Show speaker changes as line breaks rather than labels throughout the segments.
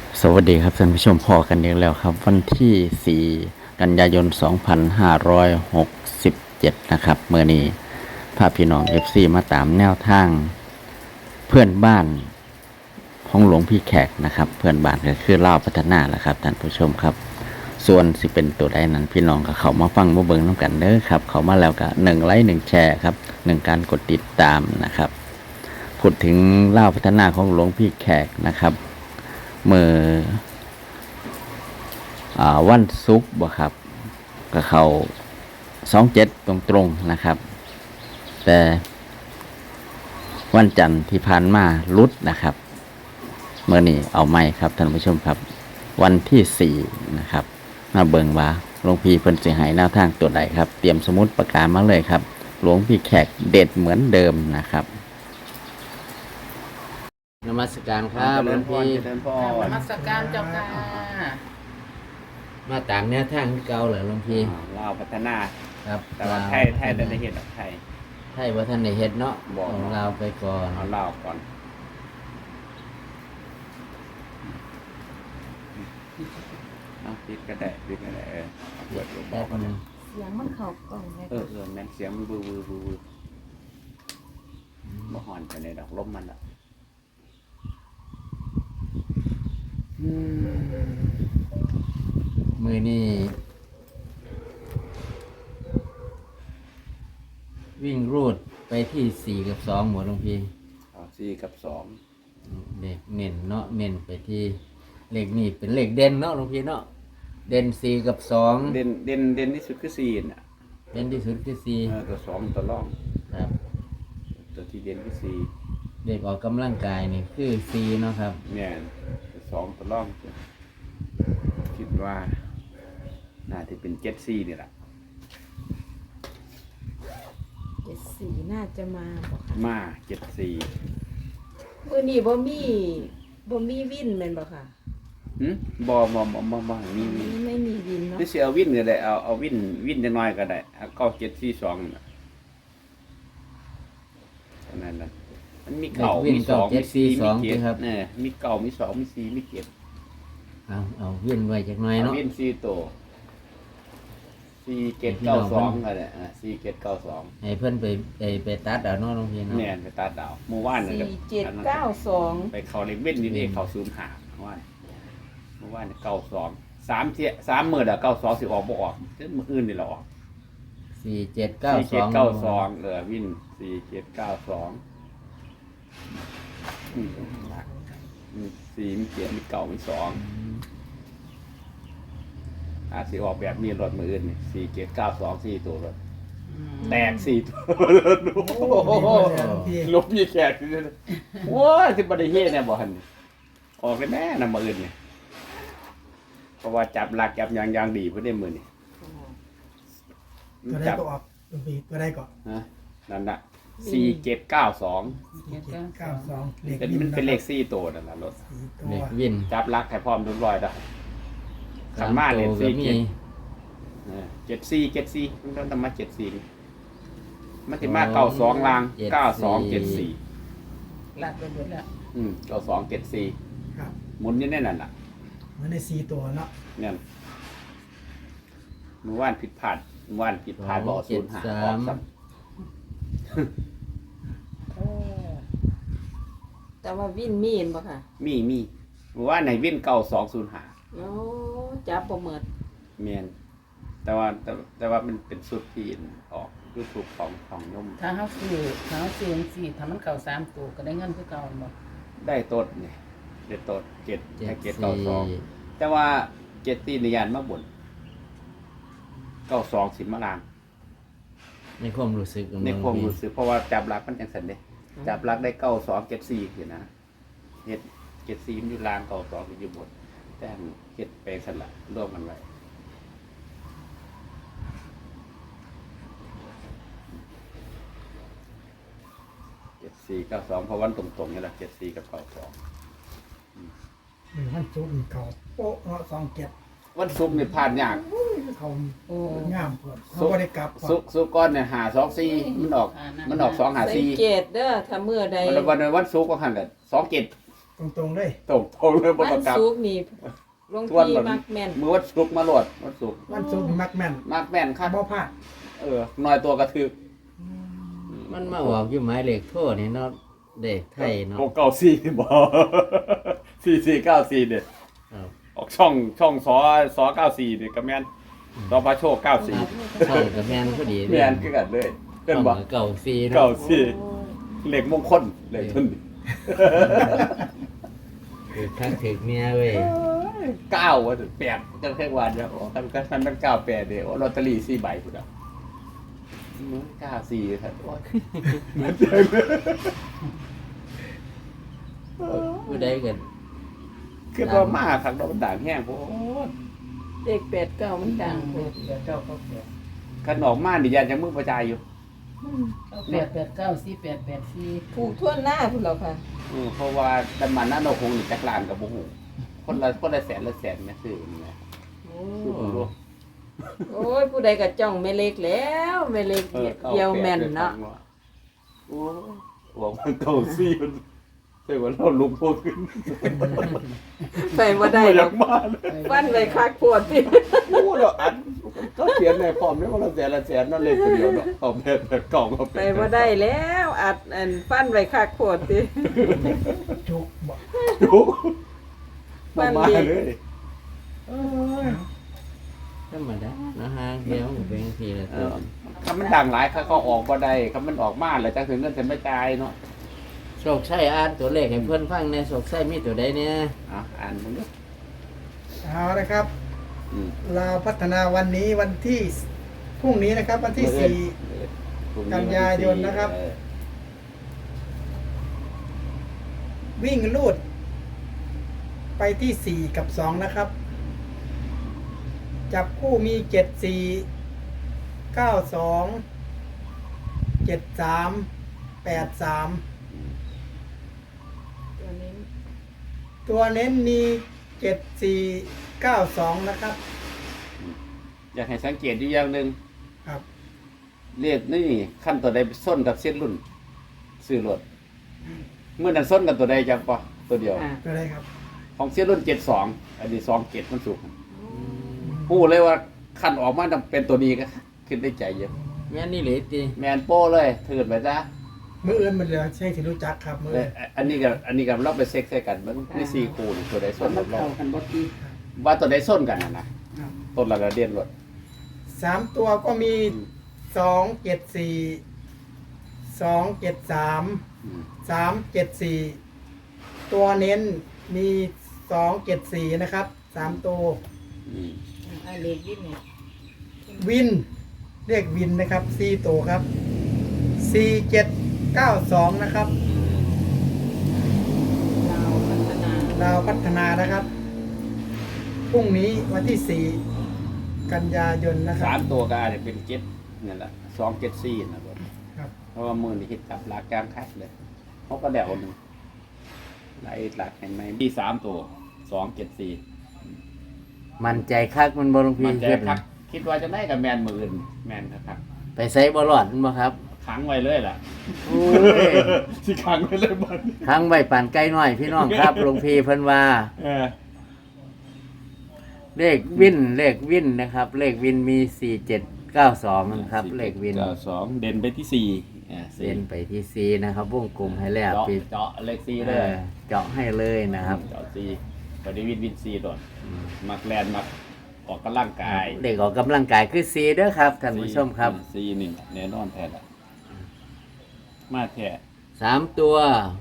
สวัสดีครับท่านผู้ชมพอกันอีกแล้วครับวันที่ 4 กันยายน 2567 นะครับเมื่อนี้พาพี่น้อง FC มาตามแนวทางเพื่อนบ้านของหลวงพี่แขกนะครับเพื่อนบ้านก็คือเล่าวพัฒนาแหละครับท่านผู้ชมครับส่วนสิเป็นตัวใดนั้นพี่น้องก็เขามาฟังมาเบิ่งน้ำกันเด้อครับเขามาแล้วก็1 ไลค์ 1 แชร์ครับ1 การกดติดตามนะครับพูดถึงเล่าวพัฒนาของหลวงพี่แขกนะครับเมื่อวันศุกร์บ่ครับก็เขา27ตรงๆนะครับแต่วันจันทร์ที่ผ่านมาลุดนะครับเมื่อนี้เอาไม่ครับท่านผู้ชมครับวันที่4นะครับมาเบิ่งว่าหลวงพี่เพิ่นสิให้แนวทางตัวใดครับเตรียมสมุดปากกามาเลยครับหลวงพี่แขกเด็ดเหมือนเดิมนะครับนมัสการครับหลวงพี่
เจริญพร
นมัสการเจ้าค่ะ
มาตามแนวทางที่เก่าเหรอหลวงพี่
ลาวพัฒนา
ครับ
แต่ว่าไทยได้เห็นไทย
ไทยว่าท่านได้เฮ็ดเนาะ
บอก
ของเราไปก่อน
เอาลาวก่อนเอาปิดก็ได้เปิดลง
แป๊บนึง
เสียงมันเข้ากล่องเลย
แม่นเสียงมันบูบ่หอนไปในดอกลมมันละ
มือนี่วิ่งรูดไปที่4 กับ 2หมดหลวงพี่
เอา4 กับ 2
เลขเน้นเนาะเน้นไปที่เลขนี่เป็นเลขเด่นเนาะหลวงพี่เนาะเด่น4 กับ 2
เด่นที่สุดคือ4น่ะ
เด่นที่สุดคือ
ตัว2ตัวรอง
4ครับ
ตัวที่เด่นคือ4
เด็กออกกำลังกายนี่คือ4เนาะครับ
แม่นตัว2ตัวรองคิดว่าน่าจะเป็น74นี่ล่ะ
74น่าจะมาบอกค่ะ
มา74
มื้อนี้บ่มีวินแม่นบ่ค่ะ
บ่มี
ไม่มีวินเนาะ
นี่สิเอาวินก็ได้เอาวินจังน้อยก็ได้เอา9742นั่นน่ะเท่านั้นน่ะมันมีเก่ามี2มี4มี7มีเก่ามี2มี4มี7
เอาเวียนไว้จักหน่อย
เอา
เนาะ
วิน4ตัว4792ก็ได้4792
ให้เพิ่นไปตัดเอาเนาะหลวงพี่เนาะ
แม่นไปตัดดาวเมื่อวานนี่ก็
4792
ไปเข้าเลขเว้นนี่เด้เข้า05ว่าเมื่อวานนี่92 3มื้อแล้ว92สิออกบ่ออกถึงมื้ออื่นนี่ล่ะออก
4792
วิน47924มี7มีเก่ามี2อาจสิออกแบบมีรถมืออื่นนี่4792 4ตัวรถแตก4ตัวรถโอ้โหลบมีแขกโอ้ยสิบ่ได้เฮ็ดแน่บ่หั่นออกได้แม่นำมืออื่นนี่เพราะว่าจับหลักจับอย่างดีเพิ่นได้มื้อนี่
ตัวได้ก็ออกหลวงพี่ตัวได้ก็
ฮะนั่นน่ะ4792
992เลข
มันเป็นเลข4ตัวนั่นน่ะรถ
4ตัว
เด็กวิน
จับหลักให้พร้อมทุกร้อยได้ขันมาเลย
ก็มี
74มันต้องมา74มันสิมา92ล่าง9274
ลากไปหมดแล้ว
9274
ครับ
หมุนอยู่ในนั่นน่ะ
เหมือนใน4ตัวเนาะ
เนี่ยเมื่อวานผิดพลาดบ่05ออกซ้ำ
แต่ว่าวินมีนบ่ค่ะ
มีเมื่อวานให้วิน9205
โอ้จับบ่หมด
แม่นแต่ว่ามันเป็นสุดที่ออก YouTube ของยม
ถ้าเขาซื้อสี่ถ้ามันเก่า3ตัวก็ได้เงินคือเก่าหมด
ได้ต้นนี่ได้ต้น7ให้792
74
แต่ว่า7นิยานมาบ่น92สิมาลาง
ในความรู้สึกของ
ใน
หล
คว วาง ม
พี่
รู้สึกเพราะว่าจับหลักมันจังซั่นเด้จับหลักได้9274อยู่นะเฮ็ด74มันอยู่ลาง92มันอยู่บนแต่อันเฮ็ดไปซั่นล่ะรวมกันไว้7492เพราะวันตรงๆนี่ล่ะ74กับ92
มันจุกเขาโป๊ะเนาะ27
วันศุกร์นี่ผ่านยาก
เขา
โอ้
งามเพิ่นเขาบ่ได้กลับ
ศุกร์ก่อนเนี่ย524มันออก254
สังเกตเด้อถ้ามื้อใด
วันศุกร์ก็หั่นกัน27
ตรงๆเลย
ตรงเลยบ่
วั
ต้อน งกลับ
ศุกร์นี่หลวง
ทวน
พี่
แบบ
มักแม่น
มือวันศุกร์มาโหลดวันศุกร์
วันศุกร์มักแม่น
มากแม่นครับ
บ่พลาด
น้อยตัวกระทึก
มันมาออกอยู่หมายเลขโทษนี่เนาะเด็กไทยเนาะ
694บ่4494เนี่ย
ครับ
ออกช่องสอ94เนี่ยก็แม่นสอพระโชค94
ช่องกับแม่นพอดี
แม่นคือกันเลยเกินบ่
เก่าซีเนาะ
94เลขมงคลเลขทุน
คือทักถึกเมียเว้ย
9ว่าถึง8จังแค่วันแล้วกันมัน98เด้อลอตเตอรี่4ใบพุ่นน่ะ94ครับโอ้ยเหมือนเดิม
ผู้ใดกัน
คือว่ามาครับดอกด่างแห้งโพด
เลข89มันดังโพด
ขนมมาดิยันยังมึงประจายอยู่
8894884
ถูกทั่วหน้าพุ่นแล้วค่ะ
เพราะว่าดันมันนั่นเราคงอยู่จักรานกับบุหูคนละแสนแม่ซื้อนี่แหละ
โอ้
ซื้อบ่รู้
โอ้ยผู้ใดก็จ้องแม่เล็กแล้วแม่เล็กเดียวแม่นเนาะ
โอ้หวังมันเก่าซี่มันใช่ว่าเราลุกโพดขึ้น
ไปบ่ได้
อ
หร
ยา
อก
กมาเลย
ฟันไว้คักโพดติ
โอ้เราอันก็เขียนในพร้อมได้ว่าละแสนนั่นเลยคนเดียวเนาะเอาแบบกล่องเอา
ไปบ่ได้แล้วอัดอันฟันไว้คักโพดติ
จุกบ่
ดูมาเลย
ธรรมดานะฮะเดี๋ยวมันเป็นทีละตัว
คำมันดังหลายเขาออกบ่ได้คำมันออกมาแล้วจังถึงเงินจะไม่จ่ายเนาะ
โชคชัยอ่านตัวเลขให้เพื่อนฟังในโชคชัยมีตัวใดเนี่ย
อ่านมึงดู
เอาละครับ
อืม
เราพัฒนาวันนี้วันที่พรุ่งนี้นะครับ วันที่ กันยายนนะครับ 4 วิ่งลูด ไปที่ 4 กับ 2 นะครับ จับคู่มี 7 4 9 2 7 3 8 3
ตัวนี้
ตัวเน้นมี 7 4 9 2 นะครับ
อยากให้สังเกตอยู่อย่างหนึ่ง
ครับ
เรียกนี่ขั้นตัวใดไปส้นกับเส้นรุ่นซื้อรถเมื่อนั้นส้นกับตัวใดจำปะตัวเดียว
อ่า
ตัวอะไรครับ
ของเส้นรุ่น72อันนี้27มันสูงพูดเลยว่าขั้นออกมาต้องเป็นตัวนี้ก็ขึ้นได้ใจเยอะ
แม่นนี่หรือตี
แมนโป้เลยถือไปซะ
มืออื่นมันเหลือใช่ที่รู้จักครับมือ
เลยอันนี้กับเราไปเซ็กใส่กันมันมี4คู่นี่ตัวใดส้นกับเรา
เข้ากันบ่ติ
ว่าตัวใดส้นกันนะครับ ต้นละเดียนรถ
3 ตัวก็มี 2 7 4 2 7 3
อืม
3 7 4 ตัวเน้นมี 2 7 4 นะครับ 3 ตัว
อืม
อ่าเลขวิ่งเนี่ย
วิน เรียกวินนะครับ 4 ตัวครับ 4 7 9 2 นะครับ
ลาวพัฒนา
ลาวพัฒนานะครับ พรุ่งนี้วันที่ 4 กันยายนนะครั
สา
บ
มตัวก็อาจจะเป็น7นี่แหละ274นะรถ
ครับ
เพราะว่ามือนี่คิดจับหลักกลางคัดเลยเขาก็เดาหนึ่งหลักเห็นไหมมี3ตัว274
มันใจคักมันบหลวงพี่
มันจะ
เฮ็ด
คั
นะ
กคิดว่าจะได้กับแมนมืออื่นแมนครับ
ไปใส่บอลอดมันบ่ครับ
ขังไว้เลยล่ะ
โอ้ย
สิขังไว้เลยมัน
ทั้งใบป่านใกล้น้อยพี่น้องครับหลวงพี่เพิ่นว่า
เออ
เลขวินนะครับ เลขวินมี 4792นะครับ เลขวิน
2เด่นไปที่4
เซ็นไปที่ 4 นะครับวงกลมให้แล้ว
เจาะ
ปิด
เจาะเลข4เลย
เจาะให้เลยนะครับ
เจาะ4ปฏิวิน4โดดมักแลนมักออกกำลังกาย
เด็กออกกำลังกายคือ4เด้อครับท่านผู้ชมครับ
4นี่แน่นอนแท้ละมาแท้
3 ตัว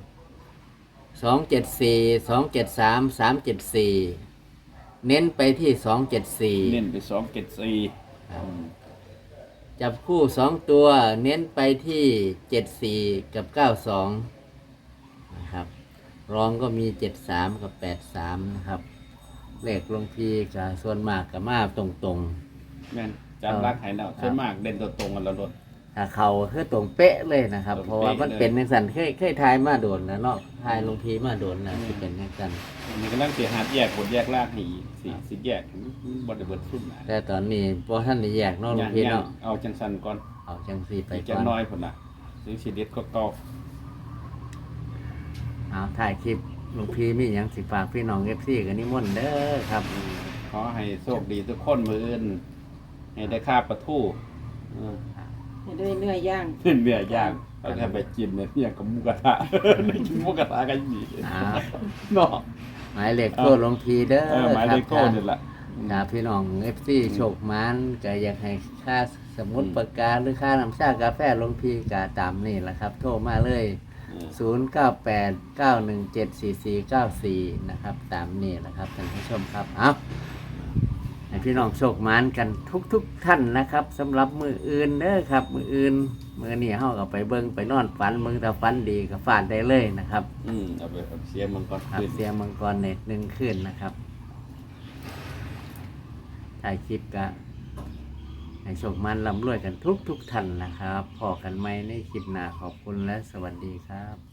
274 273 374 เน้นไปที่
เน้น
274
ไป274
จับคู่ 2 ตัว เน้นไปที่ 74 กับ 92 นะครับ รองก็มี 73 กับ 83 นะครับ เลขหลวงพี่กับส่วนมากกับมาตรง
แม่นจำรักให้แล้วส่วนมากเด่นตัวตรงกันแล้วโดด
ๆ ถ้าเขาคือตรงเป๊ะเลยนะครับ
ตรงเป๊ะ
เพราะว่ามันเป็นในสันเคยทายมาโดนแล้วเนาะทายหลวงพี่มาโดนแล้วที่เป็นในสัน
อันนี้กำลังสิหาแยกผลแยกรากให้อีกสิแยกบ่ได้เบิดขึ้นนะ
แต่ตอนนี้พอท่านได้แยกเนาะหลวงพี่เนาะ
เอาจังสันก่อน
เอาจังสีไป
อีก
ก่
จั
อง น
น้อยพุ่นน่ะสิสิเด็ดก็เก่า
เอาถ่ายคลิปหลวงพี่มีหยังสิฝากพี่น้องFCกันนิมนต์เด้อครับ
ขอให้โชคดีทุกคนมืออื่นให้ได้ค่าปลาทู
ให้ด้วยเนื้อย่าง
ขึ้นเนื้อย่างแล้วก็ไปกินเนี่ยกับหมูกระทะ ได้กินหมูกระทะกันดี
อ่า
เนาะ
หมายเลขโทรหลวงพี่เด้อ
หมาย
ค
เล
รับ
ขโทษนี่แหละ
ถ้าพี่น้องFC โชคมันก็อยากให้ค่าสมุดปากกาหรือค่าน้ำชากาแฟหลวงพี่ก็ตามนี่แหละครับ โทรมาเลย 0989174494 นะครับ ตามนี่แหละครับท่านผู้ชมครับเอาให้พี่น้องโชคมานกันทุกท่านนะครับสำหรับมืออื่นเด้อครับ มืออื่นมือนี่เฮาก็ไปเบิ่งไปนอนฝันมึงถ้าฝันดีก็ฝันได้เลยนะครับ
เอาไปเสียมังกร
ครับ
ขึ้น
เสียงมังกรใน1คืนนะครับถ่ายคลิปก็ให้โชคมันร่ำรวยกันทุกท่านนะครับพอกันไหมในคลิปหน้าขอบคุณและสวัสดีครับ